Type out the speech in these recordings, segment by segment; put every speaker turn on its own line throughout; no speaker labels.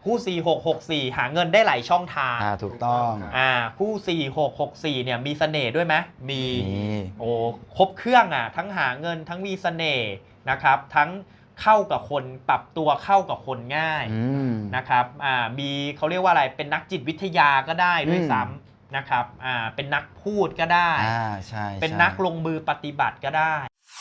คู่4664หาเงินได้หลายช่องทาง
ถูกต้อง
คู่4664เนี่ยมีเสน่ห์ด้วยไหมมีโอ้ครบเครื่องทั้งหาเงินทั้งมีเสน่ห์นะครับทั้งเข้ากับคนปรับตัวเข้ากับคนง่ายนะครับมีเขาเรียกว่าอะไรเป็นนักจิตวิทยาก็ได้ด้วยซ้ำนะครับเป็นนักพูดก็ได้
ใช่
เป็นนักลงมือปฏิบัติก็ได้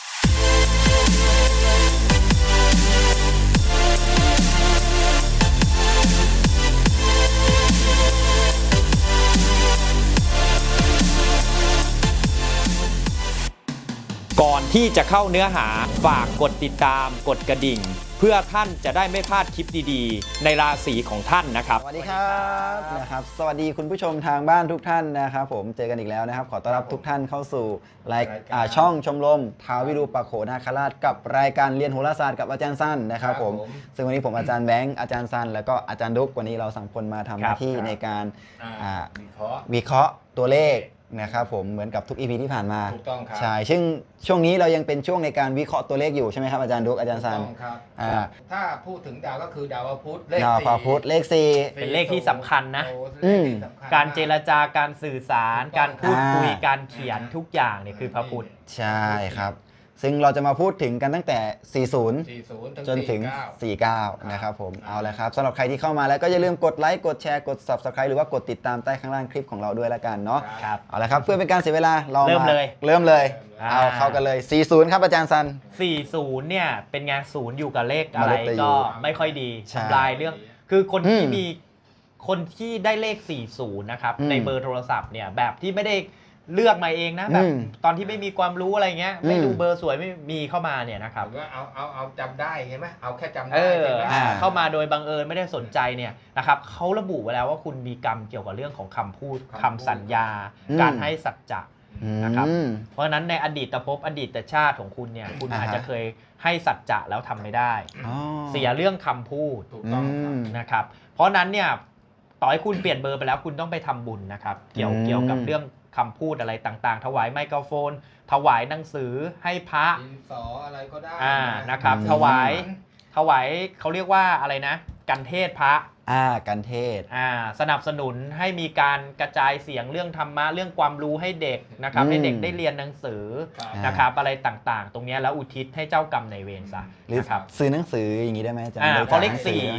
ก่อนที่จะเข้าเนื้อหาฝากกดติดตามกดกระดิ่งเพื่อท่านจะได้ไม่พลาดคลิปดีๆในราศีของท่านนะครับ
สวัสดีครับสวัสดีคุณผู้ชมทางบ้านทุกท่านนะครับผมเจอกันอีกแล้วนะครับขอต้อนรับทุกท่านเข้าสู่ช่องชมรมท้าววิรูปักโขนาคราชกับรายการเรียนโหราศาสตร์กับอาจารย์สั้นนะครับผมซึ่งวันนี้ผมอาจารย์แบงค์อาจารย์สั้นแล้วก็อาจารย์ดุ๊กวันนี้เรา3คนมาทำหน้าที่ในการวิเคราะห์ตัวเลขนะครับผมเหมือนกับทุก EP ที่ผ่านมา
ถูกต้องครับ
ใช่ซึ่งช่วงนี้เรายังเป็นช่วงในการวิเคราะห์ตัวเลขอยู่ใช่ไหมครับอาจารย์ดุ๊กอาจารย์ซัน
ถูกต้องครับถ้าพูดถึงดาวก็คือดาวพุธ
ดาวพุธเลข4
เป็นเลขที่สำคัญนะการเจรจาการสื่อสารการพูดคุยการเขียนทุกอย่างเนี่ยคือพระพุธ
ใช่ครับซึ่งเราจะมาพูดถึงกันตั้งแต่ 40 จนถึง 49 นะครับผมเอาละครับสำหรับใครที่เข้ามาแล้วก็อย่าลืมกดไลค์กดแชร์กด Subscribe หรือว่ากดติดตามใต้ข้างล่างคลิปของเราด้วยละกันเนาะเอาละครับเพื่อเป็นการเสียเวลาเราเริ่มเลยเอาเข้ากันเลย 40 ครับอาจารย์ซัน
40 เนี่ยเป็นงานศูนย์อยู่กับเลขอะไรก็ไม่ค่อยดีทำลายเรื่องคือคนที่ได้เลข 40 นะครับในเบอร์โทรศัพท์เนี่ยแบบที่ไม่ได้เลือกมาเองนะแบบตอนที่ไม่มีความรู้อะไรเงี้ยไม่ดูเบอร์สวยไม่มีเข้ามาเนี่ยนะครับ
ก็เอาจำได้ใช่ไหมเอาแค่จำได้ใช่ไหม
เข้ามาโดยบังเอิญไม่ได้สนใจเนี่ยนะครับเขาระบุไว้แล้วว่าคุณมีกรรมเกี่ยวกับเรื่องของคำพูดคำสัญญาการให้สัจจะนะครับเพราะฉะนั้นในอดีตภพอดีตชาติของคุณเนี่ยคุณอาจจะเคยให้สัจจะแล้วทำไม่ได้เสียเรื่องคำพูด
ถูกต้อง
นะครับเพราะนั้นเนี่ยต่อให้คุณเปลี่ยนเบอร์ไปแล้วคุณต้องไปทำบุญนะครับเกี่ยวกับเรื่องคำพูดอะไรต่างๆถวายไมโครโฟนถวายหนังสือให้พระ
ดินสออะไรก็ได้
นะครับถวายเขาเรียกว่าอะไรนะกันเทศพระ
กันเทศ
สนับสนุนให้มีการกระจายเสียงเรื่องธรรมะเรื่องความรู้ให้เด็กนะครับให้เด็กได้เรียนหนังสือนะครับอะไรต่างๆตรงนี้แล้วอุทิศให้เจ้ากรรมนายเวรซะ
หรือซื้อหนังสืออย่างนี้ได้ไหมอาจารย์
เพราะเลข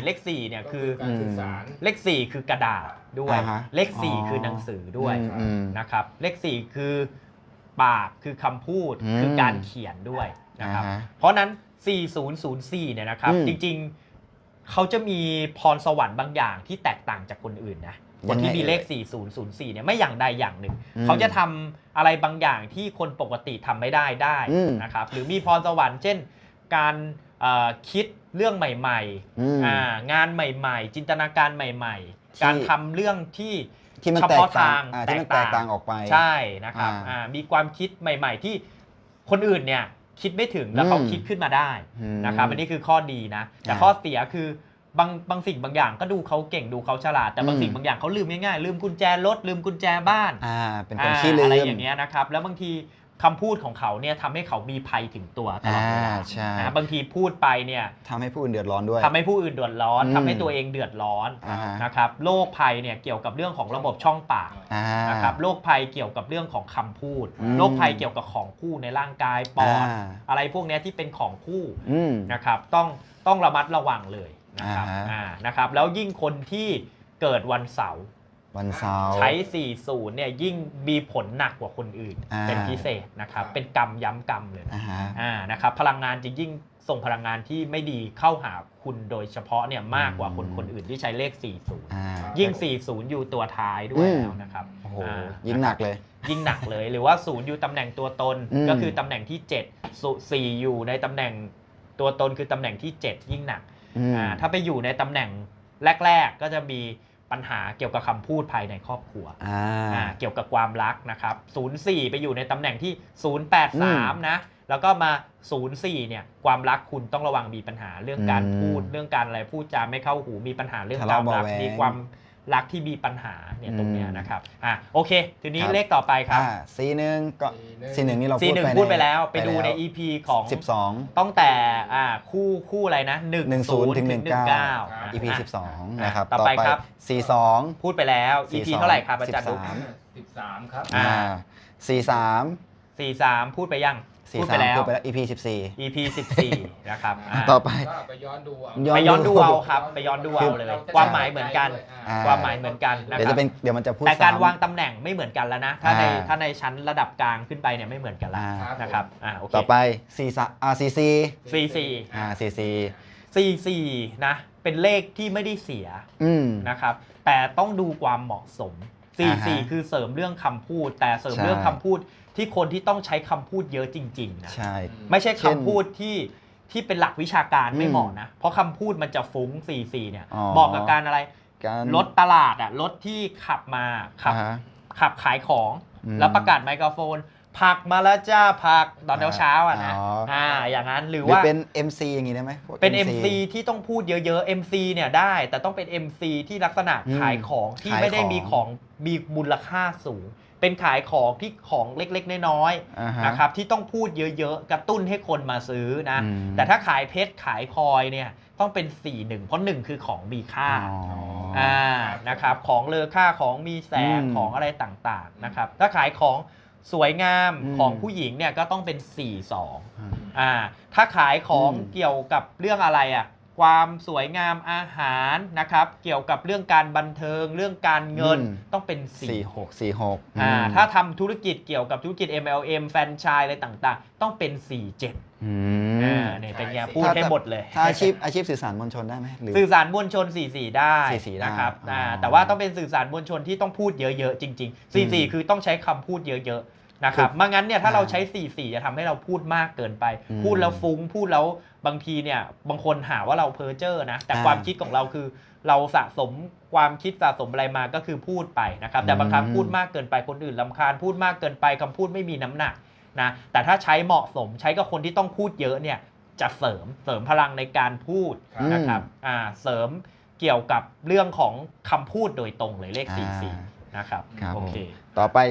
4เนี่ยคือเลข4คือกระดาษด้วยเลข4คือหนังสือด้วยนะครับเลข4คือปากคือคำพูดคือการเขียนด้วยนะครับเพราะนั้น4004เนี่ยนะครับจริงๆเขาจะมีพรสวรรค์บางอย่างที่แตกต่างจากคนอื่นนะคนที่มีเลข4004เนี่ยไม่อย่างใดอย่างหนึ่งเขาจะทำอะไรบางอย่างที่คนปกติทำไม่ได้นะครับหรือมีพรสวรรค์เช่นการคิดเรื่องใหม่ๆงานใหม่ๆจินตนาการใหม่ๆการทำเรื่องที่
เฉพาะทางแตกต่างออกไป
ใช่นะครับมีความคิดใหม่ๆที่คนอื่นเนี่ยคิดไม่ถึงแล้วเขาคิดขึ้นมาได้นะครับอันนี้คือข้อดีนะแต่ข้อเสียคือบางสิ่งบางอย่างก็ดูเขาเก่งดูเขาฉลาดแต่บางสิ่งบางอย่างเขาลืมง่ายๆลืมกุญแจรถลืมกุญแจบ้าน
เป็นคนขี้ลืม
อะไรอย่างเงี้ยนะครับแล้วบางทีคำพูดของเขาเนี่ยทำให้เขามีภัยถึงตัวตลอดเวลาบางทีพูดไปเนี่ย
ทำให้ผู้อื่นเดือดร้อนด้วย
ทำให้ผู้อื่นเดือดร้อนทำให้ตัวเองเดือดร้อนนะครับโรคภัยเนี่ยเกี่ยวกับเรื่องของระบบช่องปากนะครับโรคภัยเกี่ยวกับเรื่องของคำพูดโรคภัยเกี่ยวกับของคู่ในร่างกายปอดอะไรพวกนี้ที่เป็นของคู่นะครับต้องระมัดระวังเลยนะครับแล้วยิ่งคนที่เกิดวันเสาร์ใช้40เนี่ยยิ่งมีผลหนักกว่าคนอื่นเป็นพิเศษนะครับเป็นกรรมย้ำกรรมเลยนะครับพลังงานจะยิ่งส่งพลังงานที่ไม่ดีเข้าหาคุณโดยเฉพาะเนี่ยมากกว่าคนอื่นที่ใช้เลข40ยิ่ง40อยู่ตัวท้ายด้วยแล้วนะครับ
โอ้โหยิ่งหนักเลย
หรือว่า0อยู่ตำแหน่งตัวตนก็คือตำแหน่งที่7 4อยู่ในตำแหน่งตัวตนคือตำแหน่งที่7ยิ่งหนักถ้าไปอยู่ในตำแหน่งแรกๆก็จะมีปัญหาเกี่ยวกับคำพูดภายในครอบครัวเกี่ยวกับความรักนะครับ04ไปอยู่ในตำแหน่งที่083นะแล้วก็มา04เนี่ยความรักคุณต้องระวังมีปัญหาเรื่องการพูดเรื่องการอะไรพูดจาไม่เข้าหูมีปัญหาเรื่องความรักมีความรักที่มีปัญหาเนี่ยตรงเนี้ยนะครับโอเคทีนี้เลขต่อไปครับ
C1ก็ C1 นี่เรา
พูดไปแล้วไปดูใน EP ของ
12
ตั้งแต่คู่อะไรนะ10ถึง19
EP 12นะครับ
ต่อไปครับ
C2
พูดไปแล้ว EP เท่าไหร่ครับอาจารย์ดุ๊ก
13ครับ
C3
พูดไปยังพูดไปแล้ว
EP 14
EP 14นะครับ
ต่อไป
ไปย้อนดูเอา
ครับไปย้อนดูเอาเลยความหมายเหมือนกันความหมายเหมือนกันนะครับ
เดี๋ยวมันจะพูด
แต่การวางตำแหน่งไม่เหมือนกันแล้วนะถ้าในชั้นระดับกลางขึ้นไปเนี่ยไม่เหมือนกันแล้วนะครับโอเค
ต่อไป CC
CC นะเป็นเลขที่ไม่ได้เสียนะครับแต่ต้องดูความเหมาะสม CC คือเสริมเรื่องคำพูดแต่เสริมเรื่องคำพูดที่คนที่ต้องใช้คำพูดเยอะจริงๆนะไม่ใช่คำพูดที่เป็นหลักวิชาการไม่เหมาะนะเพราะคำพูดมันจะฟุ้ง CC เนี่ยเหมาะกับการอะไรรถตลาดรถที่ขับมาขับขายของแล้วประกาศไมโครโฟนผักมาแล้วจ้าผักตอนเช้านะอย่างนั้นหรือว่า
เป็น MC อย่างนี้ได้ไหม
เป็น MC ที่ต้องพูดเยอะๆ MC เนี่ยได้แต่ต้องเป็น MC ที่ลักษณะขายของที่ไม่ได้มีมูลค่าสูงเป็นขายของที่ของเล็กๆน้อยๆนะครับที่ต้องพูดเยอะๆกระตุ้นให้คนมาซื้อนะแต่ถ้าขายเพชรขายพลอยเนี่ยต้องเป็น41เพราะ1คือของมีค่านะครับของเลอค่าของมีแสงของอะไรต่างๆนะครับถ้าขายของสวยงามของผู้หญิงเนี่ยก็ต้องเป็น42ถ้าขายของเกี่ยวกับเรื่องอะไรความสวยงามอาหารนะครับเกี่ยวกับเรื่องการบันเทิงเรื่องการเงินต้องเป็น
46
ถ้าทำธุรกิจเกี่ยวกับธุรกิจ MLM แฟรนไชส์อะไรต่างๆต้องเป็น47เนี่ยเป็นไงพูดให้หมดเลย
ถ้าอาชีพสื่อสารมวลชนได้ไหม
สื่อสารมวลชน44ได้นะครับแต่ว่าต้องเป็นสื่อสารมวลชนที่ต้องพูดเยอะๆจริงๆ44คือต้องใช้คำพูดเยอะๆนะครับไม่งั้นเนี่ยถ้าเราใช้44จะทำให้เราพูดมากเกินไปพูดแล้วฟุ้งพูดแล้วบางทีเนี่ยบางคนหาว่าเราเพ้อเจ้อนะแต่ความคิดของเราคือเราสะสมความคิดสะสมอะไรมาก็คือพูดไปนะครับแต่บางครั้งพูดมากเกินไปคนอื่นรำคาญพูดมากเกินไปคำพูดไม่มีน้ำหนักนะแต่ถ้าใช้เหมาะสมใช้กับคนที่ต้องพูดเยอะเนี่ยจะเสริมพลังในการพูดนะครับเสริมเกี่ยวกับเรื่องของคำพูดโดยตรงเลยเลข44นะครับโอเค
ต่อไป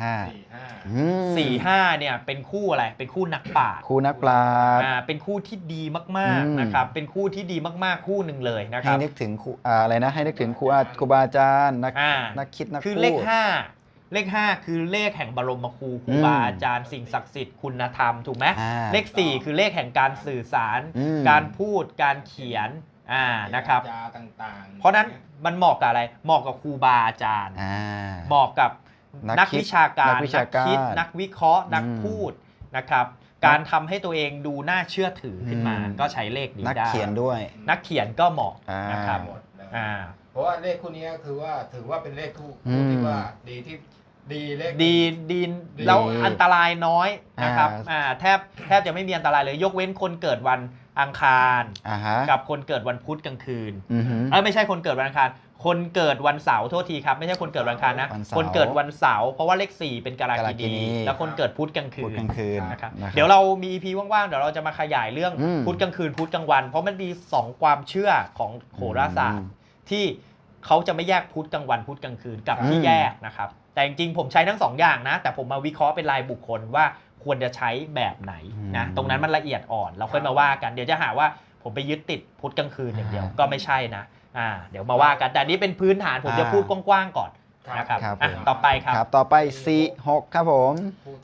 45เนี่ยเป็นคู่อะไรเป็นคู่นักปราชญ์เป็นคู่ที่ดีมากๆนะครับเป็นคู่ที่ดีมากๆคู่หนึ่งเลยนะครับ
ให้นึกถึงอะไรนะให้นึกถึงครูบาอาจารย์นักคิดนักพูด
คือเลข5คือเลขแห่งบรมครูบาอาจารย์สิ่งศักดิ์สิทธิ์คุณธรรมถูกไหมเลข4คือเลขแห่งการสื่อสารการพูดการเขียนนะครับเพราะนั้นมันเหมาะกับอะไรเหมาะกับครูบาอาจารย์เหมาะกับนักวิชาการนักคิดนักวิเคราะห์นักพูดนะครับการทำให้ตัวเองดูน่าเชื่อถือขึ้นมาก็ใช้เลขนี้ได้
นักเขียนด้วย
นักเขียนก็เหมาะนะครับ
เพราะว่าเลขคู่นี้คือว่าถือว่าเป็นเลขคู่ที่ว่าดีที่เลข
ดีแล้วอันตรายน้อยนะครับแทบจะไม่มีอันตรายเลยยกเว้นคนเกิดวันอังคารกับคนเกิดวันพุธกลางคืนไม่ใช่คนเกิดวันอังคารคนเกิดวันเสาร์โทษทีครับไม่ใช่คนเกิดวันอังคารนะคนเกิดวันเสาร์เพราะว่าเลข4เป็นกาลกินีแล้วคนเกิดพุธกลางคืนนะครับเดี๋ยวเรามี EP ว่างๆเดี๋ยวเราจะมาขยายเรื่องพุธกลางคืนพุธกลางวันเพราะมันมี2ความเชื่อของโหราศาสตร์ที่เขาจะไม่แยกพุธกลางวันพุธกลางคืนกับที่แยกนะครับแต่จริงๆผมใช้ทั้ง2อย่างนะแต่ผมมาวิเคราะห์เป็นรายบุคคลว่าควรจะใช้แบบไหนนะตรงนั้นมันละเอียดอ่อนเราค่อยมาว่ากันเดี๋ยวจะหาว่าผมไปยึดติดพุธกลางคืนอย่างเดียวก็ไม่ใช่นะเดี๋ยวมาว่ากันแต่นี้เป็นพื้นฐานผมจะพูดกว้างๆก่อนนะครับต่อไปครับ
ต่อไป46ครับผม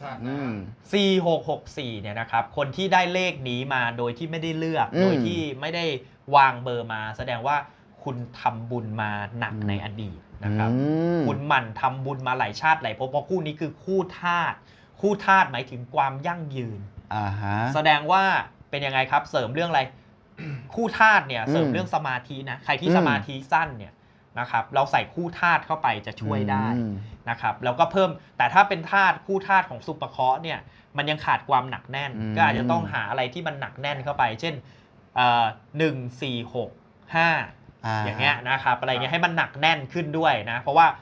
4664เนี่ยนะครับคนที่ได้เลขนี้มาโดยที่ไม่ได้เลือกโดยที่ไม่ได้วางเบอร์มาแสดงว่าคุณทำบุญมาหนักในอดีตนะครับคุณหมั่นทำบุญมาหลายชาติหลายภพเพราะคู่นี้คือคู่ธาตุหมายถึงความยั่งยืนแสดงว่าเป็นยังไงครับเสริมเรื่องอะไรคู่ธาตุเนี่ยเสริมเรื่องสมาธินะใครที่สมาธิสั้นเนี่ยนะครับเราใส่คู่ธาตุเข้าไปจะช่วยได้นะครับแล้วก็เพิ่มแต่ถ้าเป็นธาตุคู่ธาตุของสุปเคราะห์เนี่ยมันยังขาดความหนักแน่นก็อาจจะต้องหาอะไรที่มันหนักแน่นเข้าไปเช่น1 4 6 5อย่างเงี้ยนะครับอะไรเงี้ยให้มันหนักแน่นขึ้นด้วยนะเพราะว่า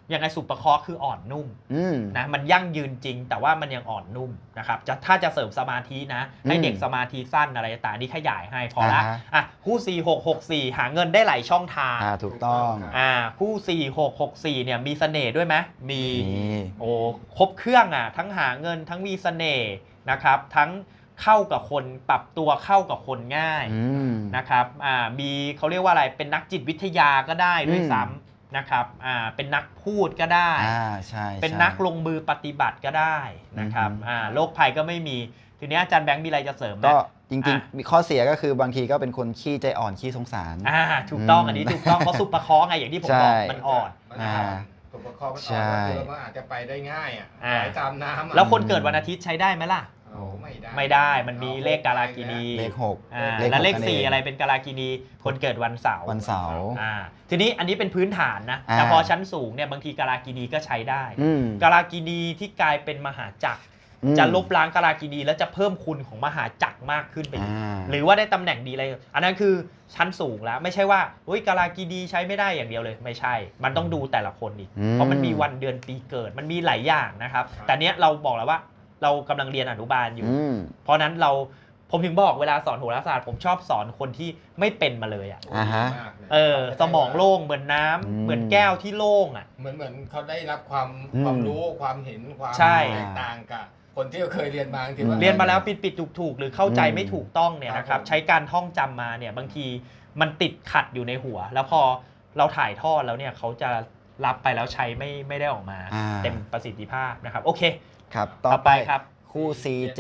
ยังไงสุปเคราะห์คืออ่อนนุ่มนะมันยั่งยืนจริงแต่ว่ามันยังอ่อนนุ่มนะครับถ้าจะเสริมสมาธินะให้เด็กสมาธิสั้นอะไรต่างๆนี่ขยายให้พอละคู่4664หาเงินได้หลายช่องทาง
ถูกต้อง
คู่4664เนี่ยมีเสน่ห์ด้วยไหมมีโอ้ครบเครื่องทั้งหาเงินทั้งมีเสน่ห์นะครับทั้งเข้ากับคนปรับตัวเข้ากับคนง่ายนะครับมีเขาเรียกว่าอะไรเป็นนักจิตวิทยาก็ได้ด้วยซ้ำนะครับเป็นนักพูดก็ได้
ใช่
เป็นนักลงมือปฏิบัติก็ได้นะครับโรคภัยก็ไม่มีทีนี้อาจารย์แบงค์มีอะไรจะเสริมไหม
ก็จริงๆมีข้อเสียก็คือบางทีก็เป็นคนขี้ใจอ่อนขี้สงสาร
ถูกต้องอันนี้ถูกต้องเพราะสุปเคราะห์ไงอย่างที่ผมบอกมันอ่อน
สุปเคราะห์มันอ่อนคือมันอาจจะไปได้ง่ายไหลตามน้ำ
แล้วคนเกิดวันอาทิตย์ใช้ได้ไหมล่ะไม่ได้มันมีเลขกาลากินี
เลข6
และเลข4อะไรเป็นกาลากินีคนเกิดวันเสาร์ทีนี้อันนี้เป็นพื้นฐานนะแต่พอชั้นสูงเนี่ยบางทีกาลากินีก็ใช้ได้กาลากินีที่กลายเป็นมหาจักรจะลบล้างกาลากินีแล้วจะเพิ่มคุณของมหาจักรมากขึ้นไปอีกหรือว่าได้ตำแหน่งดีอะไรอันนั้นคือชั้นสูงแล้วไม่ใช่ว่ากาลากินีใช้ไม่ได้อย่างเดียวเลยไม่ใช่มันต้องดูแต่ละคนอีกเพราะมันมีวันเดือนปีเกิดมันมีหลายอย่างนะครับแต่เนี้ยเราบอกแล้วว่าเรากำลังเรียนอนุบาลอยู่เพราะนั้นผมถึงบอกเวลาสอนโหราศาสตร์ผมชอบสอนคนที่ไม่เป็นมาเลยสมองโล่งเหมือนน้ำเหมือนแก้วที่โล่ง
เหมือนเขาได้รับความรู้ความเห็นความแตกต่างกับคนที่เคยเรียนมาที่ว่า
เรียนมาแล้วปิดถูกหรือเข้าใจไม่ถูกต้องเนี่ยนะครับใช้การท่องจำมาเนี่ยบางทีมันติดขัดอยู่ในหัวแล้วพอเราถ่ายทอดแล้วเนี่ยเขาจะรับไปแล้วใช้ไม่ได้ออกมาเต็มประสิทธิภาพนะครับโอเค
ครับต่อไปครับคู่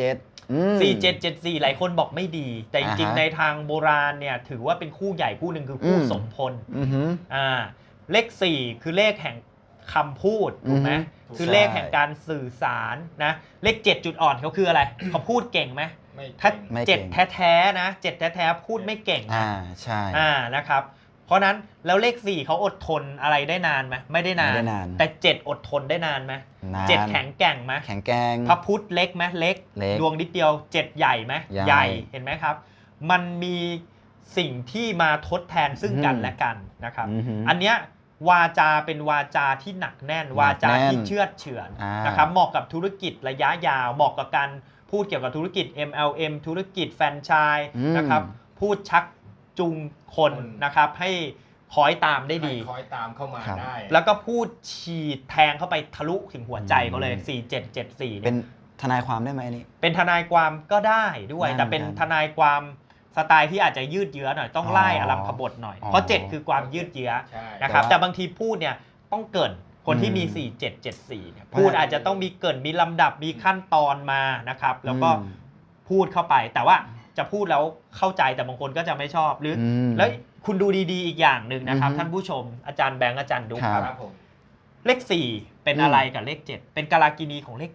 4774หลายคนบอกไม่ดีแต่จริงๆในทางโบราณเนี่ยถือว่าเป็นคู่ใหญ่คู่หนึ่งคือคู่สมพลเลข4คือเลขแห่งคำพูดถูกไหมคือเลขแห่งการสื่อสารนะเลข7จุดอ่อนเขาคืออะไรเขาพูดเก่งไหมถ้า7แท้ๆนะ7แท้ๆพูดไม่เก่ง
ใช่
นะครับเพราะนั้นแล้วเลข4เขาอดทนอะไรได้นานไหมไม่ได้นานแต่7อดทนได้นานไหม7แข็งแกร่งไหม
แข็งแกร่ง
พระพุธเล็กไหมเล็กดวงนิดเดียว7ใหญ่ไหมใหญ่เห็นไหมครับมันมีสิ่งที่มาทดแทนซึ่งกันและกันนะครับอันเนี้ยวาจาเป็นวาจาที่หนักแน่นวาจาที่เชื่อเฉือนนะครับเหมาะกับธุรกิจระยะยาวเหมาะกับการพูดเกี่ยวกับธุรกิจ MLM ธุรกิจแฟรนไชส์นะครับพูดชักจูงคนนะครับให้คอยตามได้ดี
คอยตามเข้ามาได้
แล้วก็พูดฉีดแทงเข้าไปทะลุถึงหัวใจเขาเลย4774
เป็นทนายความได้ไหมนี่
เป็นทนายความก็ได้ด้วยแต่เป็นทนายความสไตล์ที่อาจจะยืดเยื้อหน่อยต้องไล่อลัมพบทหน่อยเพราะ7คือความยืดเยื้อนะครับแต่บางทีพูดเนี่ยต้องเกินคนที่มี4774เนี่ยพูดอาจจะต้องมีเกินมีลำดับมีขั้นตอนมานะครับแล้วก็พูดเข้าไปแต่ว่าจะพูดแล้วเข้าใจแต่บางคนก็จะไม่ชอบหรือแล้วคุณดูดีๆอีกอย่างหนึ่งนะครับท่านผู้ชมอาจารย์แบงค์อาจารย์ดุ๊กครับเลข4เป็นอะไรกับเลข7เป็นกาลากินีของเลข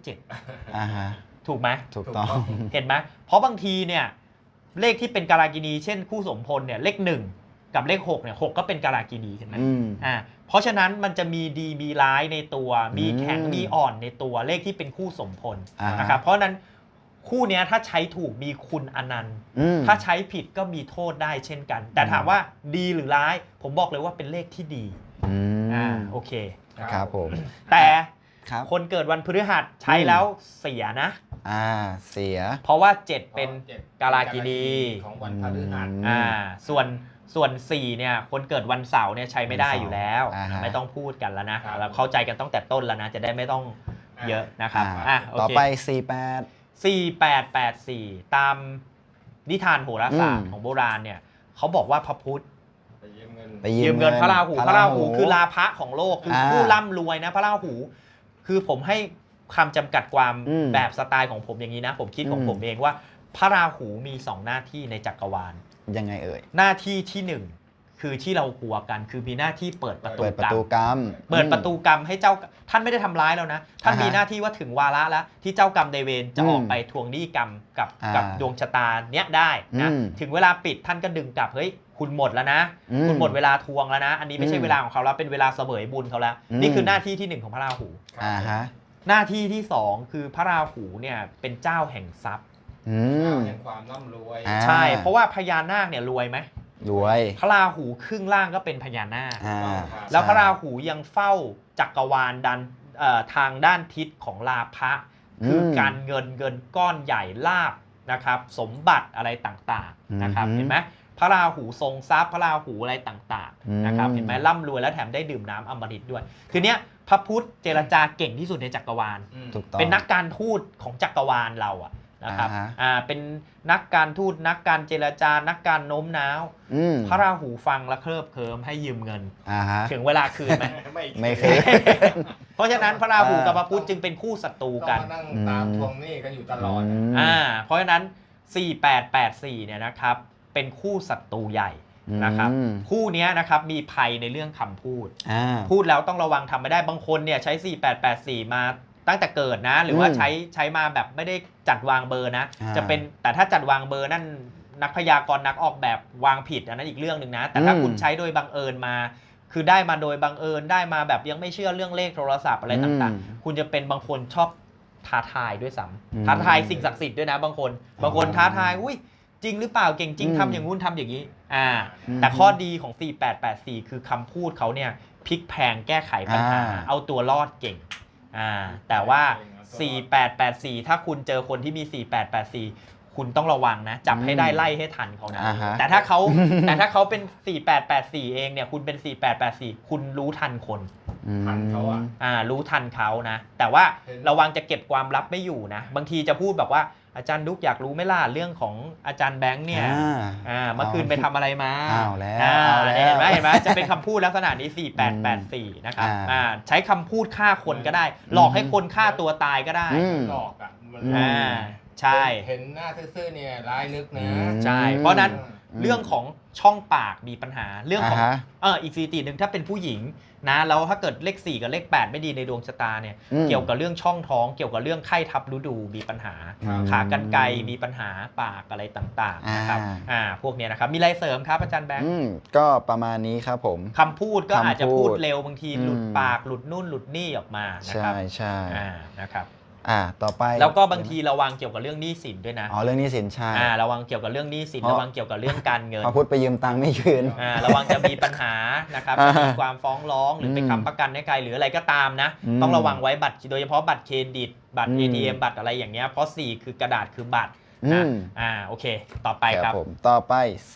7ถูกไหม
ถูกต้อง
เห็นไหมเพราะบางทีเนี่ยเลขที่เป็นกาลากินีเช่นคู่สมพลเนี่ยเลข1กับเลข6เนี่ย6ก็เป็นกาลากินีเห็นไหมเพราะฉะนั้นมันจะมีดีมีร้ายในตัวมีแข็งมีอ่อนในตัวเลขที่เป็นคู่สมพลนะครับเพราะนั้นคู่นี้ถ้าใช้ถูกมีคุณอนันต์ถ้าใช้ผิดก็มีโทษได้เช่นกันแต่ถามว่าดีหรือร้ายผมบอกเลยว่าเป็นเลขที่ดีโอเค
ครับผม
แต่คนเกิดวันพฤหัสใช้แล้วเสียนะ
เสีย
เพราะว่า7เป็นกาลากินี
ของวันพฤหัส
ส่วน4เนี่ยคนเกิดวันเสาร์เนี่ยใช้ไม่ได้อยู่แล้วไม่ต้องพูดกันแล้วนะเราเข้าใจกันตั้งแต่ต้นแล้วนะจะได้ไม่ต้องเยอะนะครับ
ต่อไป
4884ตามนิทานโหราศาสตร์ของโบราณเนี่ยเขาบอกว่าพระพุธ
ไปยื
มเงินพระราหูคือลาภะของโลกคือผู้ร่ำรวยนะพระราหูคือผมให้คำจำกัดความแบบสไตล์ของผมอย่างนี้นะผมคิดของผมเองว่าพระราหูมี2หน้าที่ในจักรวาล
ยังไงเอ่ย
หน้าที่ที่1คือที่เรากลัวกันคือมีหน้าที่เปิดประตู
กรรม
เปิดประตูกรรมให้เจ้าท่านไม่ได้ทำร้ายแล้วนะท่านมีหน้าที่ว่าถึงวาระแล้วที่เจ้ากรรมนายเวรจะออกไปทวงหนี้กรรมกับดวงชะตาเนี้ยได้นะถึงเวลาปิดท่านก็ดึงกลับเฮ้ยคุณหมดแล้วนะคุณหมดเวลาทวงแล้วนะอันนี้ไม่ใช่เวลาของเขาแล้วเป็นเวลาเสวยบุญเขาแล้วนี่คือหน้าที่ที่1ของพระราหูหน้าที่ที่2คือพระราหูเนี่ยเป็นเจ้าแห่งทรัพย์
แห่งความร่ำรวย
ใช่เพราะว่าพญานาคเนี่ยรวยไหม
รวย
พระราหูครึ่งล่างก็เป็นพญานาค
ครับ
แล้วพระราหูยังเฝ้าจักรวาลทางด้านทิศของลาภะคือการเงินก้อนใหญ่ลาภนะครับสมบัติอะไรต่างๆนะครับเห็นไหมพระราหูทรงทรัพย์พระราหูอะไรต่างๆนะครับเห็นไหมร่ำรวยแล้วแถมได้ดื่มน้ำอมฤตด้วยคือเนี้ยพระพุทธเจรจาเก่งที่สุดในจักรวาล
ถูกต้อง
เป็นนักการทูตของจักรวาลเราอะนะครับเป็นนักการทูตนักการเจรจานักการโน้มน้าวพระราหูฟังแล้วเคลิบเคลิ้มให้ยืมเงินถึงเวลาคืนไหม
ไม่เคย
เพราะฉะนั้นพระราหูกับพระพุธจึงเป็นคู่ศัตรูกัน
ต้องมานั่งตามทวงหนี้กันอยู่ตลอด
เพราะฉะนั้น 4884เนี่ยนะครับเป็นคู่ศัตรูใหญ่นะครับคู่นี้นะครับมีภัยในเรื่องคำพูดพูดแล้วต้องระวังทำไม่ได้บางคนเนี่ยใช้ 4884 มาตั้งแต่เกิดนะหรือว่าใช้มาแบบไม่ได้จัดวางเบอร์นะจะเป็นแต่ถ้าจัดวางเบอร์นั่นนักพยากรณ์นักออกแบบวางผิดอันนั้นอีกเรื่องหนึ่งนะแต่ถ้าคุณใช้โดยบังเอิญมาคือได้มาโดยบังเอิญได้มาแบบยังไม่เชื่อเรื่องเลขโทรศัพท์อะไรต่างๆคุณจะเป็นบางคนชอบท้าทายด้วยซ้ำท้าทายสิ่งศักดิ์สิทธิ์ด้วยนะบางคนท้าทายอุ้ยจริงหรือเปล่าเก่งจริงทำอย่างงู้นทำอย่างนี้แต่ข้อดีของ 4884 คือคำพูดเขาเนี่ยพลิกแพลงแก้ไขปัญหาเอาตัวรอดเก่งแต่ว่า 4884 ถ้าคุณเจอคนที่มี 4884 คุณต้องระวังนะจับให้ได้ไล่ให้ทันเขานะแต่ถ้าเขาเป็น 4884 เองเนี่ยคุณเป็น 4884 คุณรู้ทันคน
ทันเขา
รู้ทันเขานะแต่ว่าระวังจะเก็บความลับไม่อยู่นะบางทีจะพูดแบบว่าอาจารย์ดุ๊กอยากรู้ไหมล่ะเรื่องของอาจารย์แบงค์เนี่ยเมื่อคืนไปทำอะไรมาเห็นไหมจะเป็นคำพูดลักษณะนี้ 4884 นะครับใช้คำพูดฆ่าคนก็ได้หลอกให้คนฆ่าตัวตายก็ได้
หลอก
ใช่
เห็นหน้าซื่อๆเนี่ยร้ายลึกนะ
ใช่เพราะนั้นเรื่องของช่องปากมีปัญหาเรื่องของอีกสถิติหนึ่งถ้าเป็นผู้หญิงนะแล้วถ้าเกิดเลข4กับเลข8ไม่ดีในดวงชะตาเนี่ยเกี่ยวกับเรื่องช่องท้องเกี่ยวกับเรื่องไข้ทับฤดูมีปัญหาขากรรไกรมีปัญหาปากอะไรต่างๆนะครับพวกนี้นะครับมีอะไรเสริมครับอาจารย์แบงค์
ก็ประมาณนี้ครับผม
คำพูดก็อาจจะพูดเร็วบางทีหลุดปากหลุดนู่นหลุดนี่ออกมานะครับ
ใช่
นะครับ
ต่อไป
แล้วก็บางทีระวังเกี่ยวกับเรื่องหนี้สินด้วยนะ
เรื่องหนี้สินใช่
ระวังเกี่ยวกับเรื่องหนี้สินระวังเกี่ยวกับเรื่องการเงิน
พอพูดไปยืมตังค์ไม่คืน
ระวังจะมีปัญหานะครับมีความฟ้องร้องหรือไปค้ำประกันให้ใครหรืออะไรก็ตามนะต้องระวังไว้บัตรโดยเฉพาะบัตรเครดิตบัตร ATM บัตรอะไรอย่างเงี้ยเพราะ4คือกระดาษคือบัตรนะโอเคต่อไปครับ
ต่อไป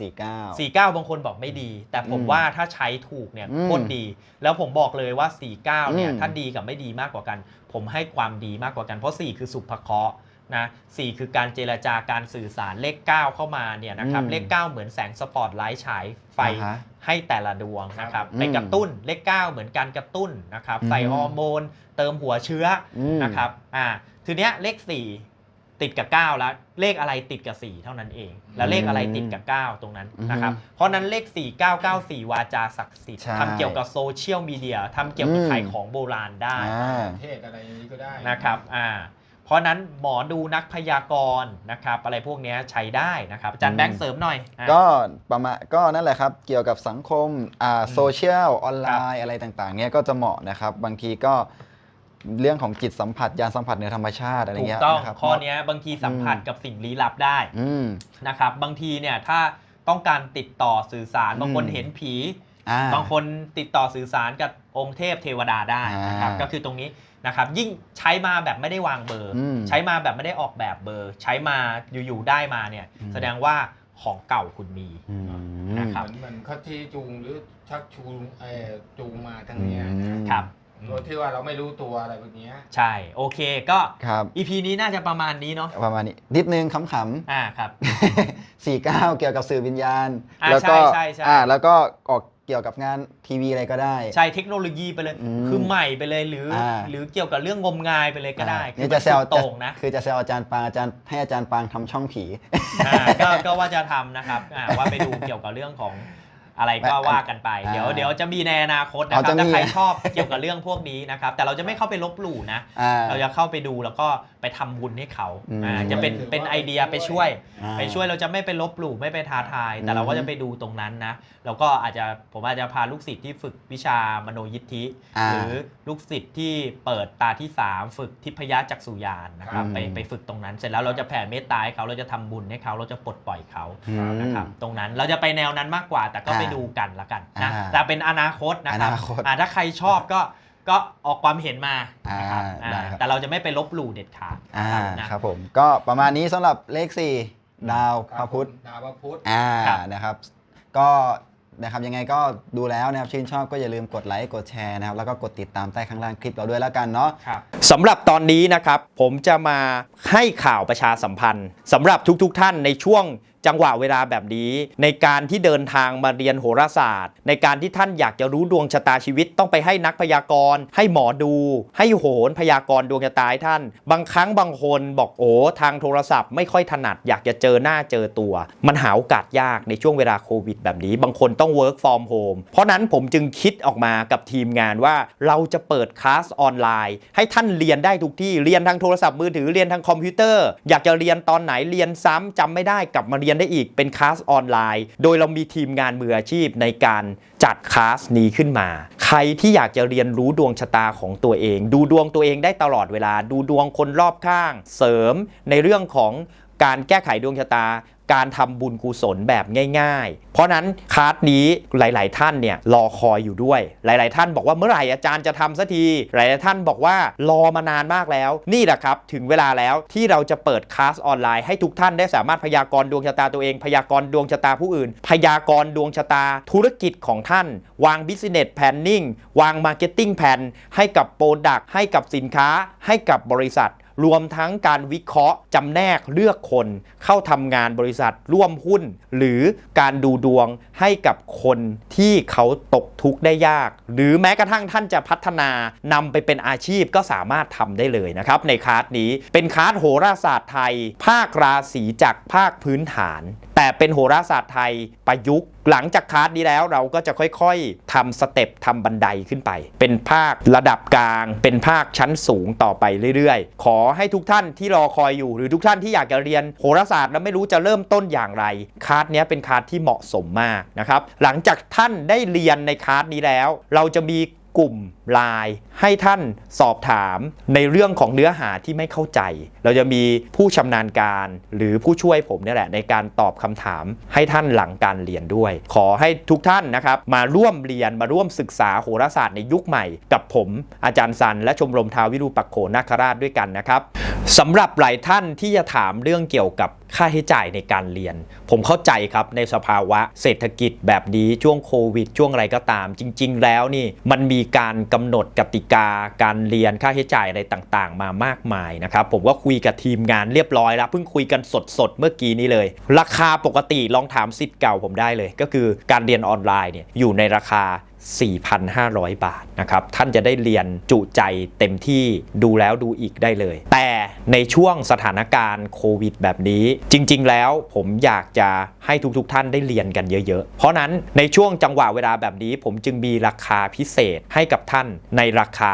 49บางคนบอกไม่ดีแต่ผมว่าถ้าใช้ถูกเนี่ยโคตรดีแล้วผมบอกเลยว่า49เนี่ยถ้าดีกับไม่ดีมากกว่ากันผมให้ความดีมากกว่ากันเพราะ4คือสุภเคราะห์นะ4คือการเจรจาการสื่อสารเลข9เข้ามาเนี่ยนะครับเลข9เหมือนแสงสปอตไลท์ฉายไฟให้แต่ละดวงนะครับไปกระตุ้นเลข9เหมือนการกระตุ้นนะครับใส่ฮอร์โมนเติมหัวเชื้อนะครับทีเนี้ยเลข4ติดกับ9แล้วเลขอะไรติดกับ4เท่านั้นเองแล้วเลขอะไรติดกับ9ตรงนั้นนะครับเพราะนั้นเลข4994วาจาศักดิ์สิทธิ์ทำเกี่ยวกับโซเชียลมีเดียทำเกี่ยวกับขายของโบราณได้
เทศอะไรอย่างนี้ก็ได้
นะครับเพราะนั้นหมอดูนักพยากรณ์นะครับอะไรพวกนี้ใช้ได้นะครับอาจารย์แบงค์เสริมหน่อย
ก็ประมาณก็นั่นแหละครับเกี่ยวกับสังคมโซเชียลออนไลน์อะไรต่างๆเนี้ยก็จะเหมาะนะครับบางทีก็เรื่องของจิตสัมผัสยานสัมผัสเหนือธรรมชาติอะไรเงี้ย
ถูกต้องข้อนี้บางทีสัมผัสกับสิ่งลี้ลับได้นะครับบางทีเนี่ยถ้าต้องการติดต่อสื่อสารบางคนเห็นผีบางคนติดต่อสื่อสารกับองค์เทพเทวดาได้นะครับก็คือตรงนี้นะครับยิ่งใช้มาแบบไม่ได้วางเบอร์ใช้มาแบบไม่ได้ออกแบบเบอร์ใช้มาอยู่ๆได้มาเนี่ยแสดงว่าของเก่าคุณมีนะครับ
เหมือนเขาที่จูงหรือชักจูงมาทั้งนี้
ครับ
โดยที่ว่าเราไม่รู้ตัวอะไรแบบนี้
ใช่โอเคก็ EP นี้น่าจะประมาณนี้เนาะ
ประมาณนี้นิดนึงขำ
ครับ
49เกี่ยวกับสื่อวิญญาณแล้วก็แล้วก็ออกเกี่ยวกับงานทีวีอะไรก็ได้
ใช่เทคโนโลยีไปเลยคือใหม่ไปเลยหรือเกี่ยวกับเรื่องงมงายไปเลยก็ได้
คือจะแซวตรงนะคือจะแซวอาจารย์ปางให้อาจารย์ปางทำช่องผี
ก็ว่าจะทำนะครับว่าไปดูเกี่ยวกับเรื่องของอะไรก็ว่ากันไปเดี๋ยวจะมีในอนาคตนะครับถ้าใครชอบเกี่ยวกับเรื่องพวกนี้นะครับแต่เราจะไม่เข้าไปลบหลู่นะเราจะเข้าไปดูแล้วก็ไปทำบุญให้เขาจะเป็นไอเดียไปช่วยเราจะไม่ไปลบหลู่ไม่ไปท้าทายแต่เราก็จะไปดูตรงนั้นนะแล้วก็ผมอาจจะพาลูกศิษย์ที่ฝึกวิชามโนยิทธิหรือลูกศิษย์ที่เปิดตาที่3ฝึกทิพยจักษุญาณนะครับไปฝึกตรงนั้นเสร็จแล้วเราจะแผ่เมตตาให้เขาเราจะทำบุญให้เขาเราจะปลดปล่อยเขานะครับตรงนั้นเราจะไปแนวนั้นมากกว่าแต่ก็ไปดูกันละกันนะแต่เป็นอนาคตนะครับถ้าใครชอบก็ออกความเห็นมานะครับแต่เราจะไม่ไปลบหลู่เด็ดขาด
นะครับผมก็ประมาณนี้สำหรับเลข4ดาวพระพุธนะครับก็นะครับยังไงก็ดูแล้วนะครับชื่นชอบก็อย่าลืมกดไลค์กดแชร์นะครับแล้วก็กดติดตามใต้ข้างล่างคลิปเราด้วยแล้วกันเนาะ
สำหรับตอนนี้นะครับผมจะมาให้ข่าวประชาสัมพันธ์สำหรับทุกท่านในช่วงจังหวะเวลาแบบนี้ในการที่เดินทางมาเรียนโหราศาสตร์ในการที่ท่านอยากจะรู้ดวงชะตาชีวิตต้องไปให้นักพยากรณ์ให้หมอดูให้โหรพยากรณ์ดวงชะตาให้ท่านบางครั้งบางคนบอกทางโทรศัพท์ไม่ค่อยถนัดอยากจะเจอหน้าเจอตัวมันหาโอกาสยากในช่วงเวลาโควิดแบบนี้บางคนต้อง work from home เพราะนั้นผมจึงคิดออกมากับทีมงานว่าเราจะเปิดคลาสออนไลน์ให้ท่านเรียนได้ทุกที่เรียนทางโทรศัพท์มือถือเรียนทางคอมพิวเตอร์อยากจะเรียนตอนไหนเรียนซ้ำจำไม่ได้กลับมาเรียนได้อีกเป็นคลาสออนไลน์โดยเรามีทีมงานมืออาชีพในการจัดคลาสนี้ขึ้นมาใครที่อยากจะเรียนรู้ดวงชะตาของตัวเองดูดวงตัวเองได้ตลอดเวลาดูดวงคนรอบข้างเสริมในเรื่องของการแก้ไขดวงชะตาการทำบุญกุศลแบบง่ายๆเพราะนั้นคลาสนี้หลายๆท่านเนี่ยรอคอยอยู่ด้วยหลายๆท่านบอกว่าเมื่อไหร่อาจารย์จะทำสักทีหลายๆท่านบอกว่ารอมานานมากแล้วนี่แหละครับถึงเวลาแล้วที่เราจะเปิดคลาสออนไลน์ให้ทุกท่านได้สามารถพยากรณ์ดวงชะตาตัวเองพยากรณ์ดวงชะตาผู้อื่นพยากรณ์ดวงชะตาธุรกิจของท่านวาง Business Planning วาง Marketing Plan ให้กับโปรดักต์ให้กับสินค้าให้กับบริษัทรวมทั้งการวิเคราะห์จำแนกเลือกคนเข้าทำงานบริษัทร่วมหุ้นหรือการดูดวงให้กับคนที่เขาตกทุกข์ได้ยากหรือแม้กระทั่งท่านจะพัฒนานำไปเป็นอาชีพก็สามารถทำได้เลยนะครับในคลาสนี้เป็นคลาสโหราศาสตร์ไทยภาคราศีจากภาคพื้นฐานแต่เป็นโหราศาสตร์ไทยประยุกต์หลังจากคลาสนี้แล้วเราก็จะค่อยๆทำสเต็ปทำบันไดขึ้นไปเป็นภาคระดับกลางเป็นภาคชั้นสูงต่อไปเรื่อยๆขอให้ทุกท่านที่รอคอยอยู่หรือทุกท่านที่อยากจะเรียนโหราศาสตร์แล้วไม่รู้จะเริ่มต้นอย่างไรคลาสนี้เป็นคลาสที่เหมาะสมมากนะครับหลังจากท่านได้เรียนในคลาสนี้แล้วเราจะมีกลุ่มไลน์ให้ท่านสอบถามในเรื่องของเนื้อหาที่ไม่เข้าใจเราจะมีผู้ชำนาญการหรือผู้ช่วยผมนี่แหละในการตอบคำถามให้ท่านหลังการเรียนด้วยขอให้ทุกท่านนะครับมาร่วมเรียนมาร่วมศึกษาโหราศาสตร์ในยุคใหม่กับผมอาจารย์ซันและชมรมท้าววิรูปักโขนาคราชด้วยกันนะครับสำหรับหลายท่านที่จะถามเรื่องเกี่ยวกับค่าใช้จ่ายในการเรียนผมเข้าใจครับในสภาวะเศรษฐกิจแบบนี้ช่วงโควิดช่วงอะไรก็ตามจริงๆแล้วนี่มันมีการกำหนดกติกาการเรียนค่าใช้จ่ายอะไรต่างๆมามากมายนะครับผมก็คุยกับทีมงานเรียบร้อยแล้วเพิ่งคุยกันสดๆเมื่อกี้นี้เลยราคาปกติลองถามศิษย์เก่าผมได้เลยก็คือการเรียนออนไลน์เนี่ยอยู่ในราคา4,500 บาทนะครับท่านจะได้เรียนจุใจเต็มที่ดูแล้วดูอีกได้เลยแต่ในช่วงสถานการณ์โควิดแบบนี้จริงๆแล้วผมอยากจะให้ทุกท่านได้เรียนกันเยอะๆเพราะนั้นในช่วงจังหวะเวลาแบบนี้ผมจึงมีราคาพิเศษให้กับท่านในราคา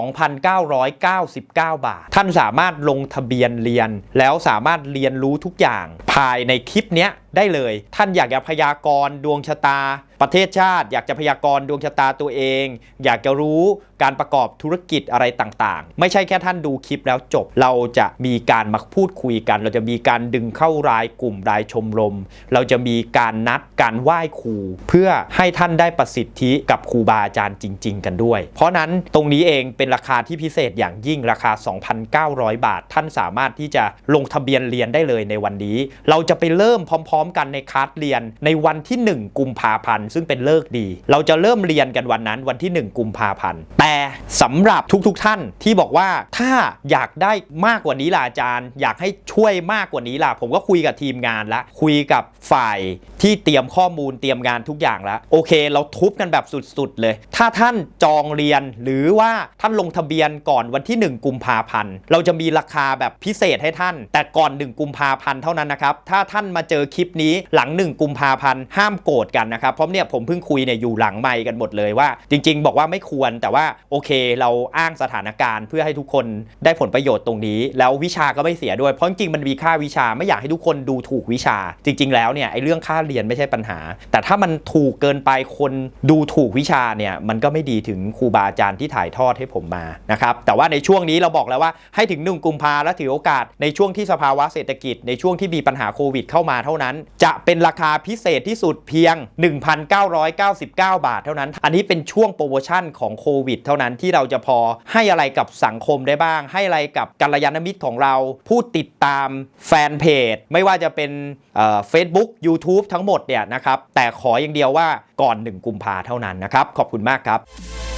2,999 บาทท่านสามารถลงทะเบียนเรียนแล้วสามารถเรียนรู้ทุกอย่างภายในคลิปนี้ได้เลยท่านอยากจะพยากรณ์ดวงชะตาประเทศชาติอยากจะพยากรณ์ดวงชะตาตัวเองอยากจะรู้การประกอบธุรกิจอะไรต่างๆไม่ใช่แค่ท่านดูคลิปแล้วจบเราจะมีการมาพูดคุยกันเราจะมีการดึงเข้ารายกลุ่มรายชมรมเราจะมีการนัดการไหว้ครูเพื่อให้ท่านได้ประสิทธิกับครูบาอาจารย์จริงๆกันด้วยเพราะนั้นตรงนี้เองเป็นราคาที่พิเศษอย่างยิ่งราคา 2,900 บาทท่านสามารถที่จะลงทะเบียนเรียนได้เลยในวันนี้เราจะไปเริ่มพร้อมๆกันในคลาสเรียนในวันที่1 กุมภาพันธ์ซึ่งเป็นฤกษ์ดีเราจะเริ่มเรียนกันวันนั้นวันที่1 กุมภาพันธ์แต่สำหรับทุกท่านที่บอกว่าถ้าอยากได้มากกว่านี้ล่ะอาจารย์อยากให้ช่วยมากกว่านี้ล่ะผมก็คุยกับทีมงานละคุยกับฝ่ายที่เตรียมข้อมูลเตรียมงานทุกอย่างแล้วโอเคเราทุบกันแบบสุดๆเลยถ้าท่านจองเรียนหรือว่าท่านลงทะเบียนก่อนวันที่1กุมภาพันธ์เราจะมีราคาแบบพิเศษให้ท่านแต่ก่อน1กุมภาพันธ์เท่านั้นนะครับถ้าท่านมาเจอคลิปนี้หลัง1กุมภาพันธ์ห้ามโกรธกันนะครับเพราะเนี่ยผมเพิ่งคุยเนี่ยอยู่หลังไมค์กันหมดเลยว่าจริงๆบอกว่าไม่ควรแต่ว่าโอเคเราอ้างสถานการณ์เพื่อให้ทุกคนได้ผลประโยชน์ตรงนี้แล้ววิชาก็ไม่เสียด้วยเพราะจริงๆมันมีค่าวิชาไม่อยากให้ทุกคนดูถูกวิชาจริงๆแล้วเนี่ยไอ้เรื่องค่าเรียนไม่ใช่ปัญหาแต่ถ้ามันถูกเกินไปคนดูถูกวิชาเนี่ยมันก็ไม่ดีถึงครูบาอาจารย์ที่ถ่ายทอดให้ผมมานะครับแต่ว่าในช่วงนี้เราบอกแล้วว่าให้ถึง1กุมภาแล้วถือโอกาสในช่วงที่สภาวะเศรษฐกิจในช่วงที่มีปัญหาโควิดเข้ามาเท่านั้นจะเป็นราคาพิเศษที่สุดเพียง 1,999 บาทเท่านั้นอันนี้เป็นช่วงโปรโมชั่นของโควิดเท่านั้นที่เราจะพอให้อะไรกับสังคมได้บ้างให้อะไรกับกัลยาณมิตรของเราผู้ติดตามแฟนเพจไม่ว่าจะเป็นFacebook YouTube ทั้งหมดเนี่ยนะครับแต่ขออย่างเดียวว่าก่อน1กุมภาเท่านั้นนะครับขอบคุณมากครับ